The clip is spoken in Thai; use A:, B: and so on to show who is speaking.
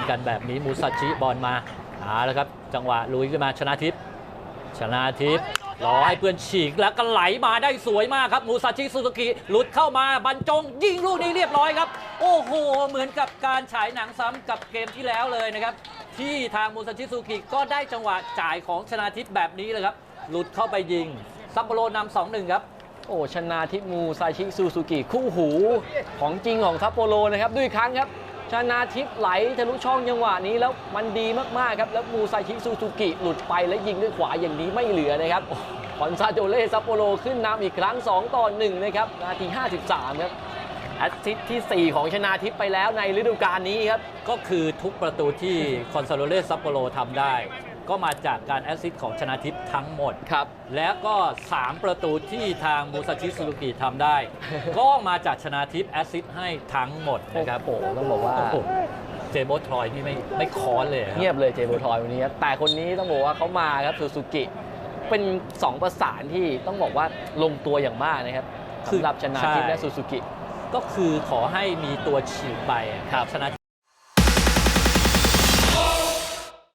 A: กันแบบนี้มูซาชิบอลมาแล้วครับจังหวะลุยขึ้นมาชนาทิพย์รอให้เพื่อนฉีกแล้วก็ไหลมาได้สวยมากครับมูซาชิซูซูกิหลุดเข้ามาบรรจงยิงลูกนี้เรียบร้อยครับโอ้โหเหมือนกับการฉายหนังซ้ำกับเกมที่แล้วเลยนะครับที่ทางมูซาชิซูซูกิก็ได้จังหวะจ่ายของชนาทิพย์แบบนี้เลยครับหลุดเข้าไปยิงซัปโปโรนำ 2-1 ครับ
B: โอ้ชนาทิพย์มูซาชิซูซูกิคู่หูของจริงของซัปโปโรนะครับด้วยครั้งครับชนาทิพย์ไหลทะลุช่องจังหวะนี้แล้วมันดีมากๆครับแล้วมูซาชิซูซูกิหลุดไปแล้วยิงด้วยขวาอย่างนี้ไม่เหลือนะครับคอนซาโดเล่ซัปโปโรขึ้นนำอีกครั้ง2-1นะครับนาที53ครับแอสซิสต์ที่ 4 ของชนาทิพย์ไปแล้วในฤดูกาลนี้ครับ
A: ก็คือทุกประตูที่คอนซาโดเล่ซัปโปโรทำได้ก็มาจากการแอสซิสต์ของชนาทิพย์ทั้งหมด
B: ครับ
A: แล้วก็3ประตูที่ทางมูซาชิซูซูกิทำได้ ก็มาจากชนาทิพย์แอสซิสต์ให้ทั้งหมดนะครับ
B: โอ้โหต้องบอกว่า
A: เจโบทรอยนี่ไม่ค้อนเลย
B: เงียบเลยเจโบทอยวันนี้ครับแต่คนนี้ต้องบอกว่าเขามาครับซูซูกิเป็น2ประสานที่ต้องบอกว่าลงตัวอย่างมากนะครับสำหรับชนาทิพย์และซูซูกิ
A: ก็คือขอให้มีตัวฉีกไปชนา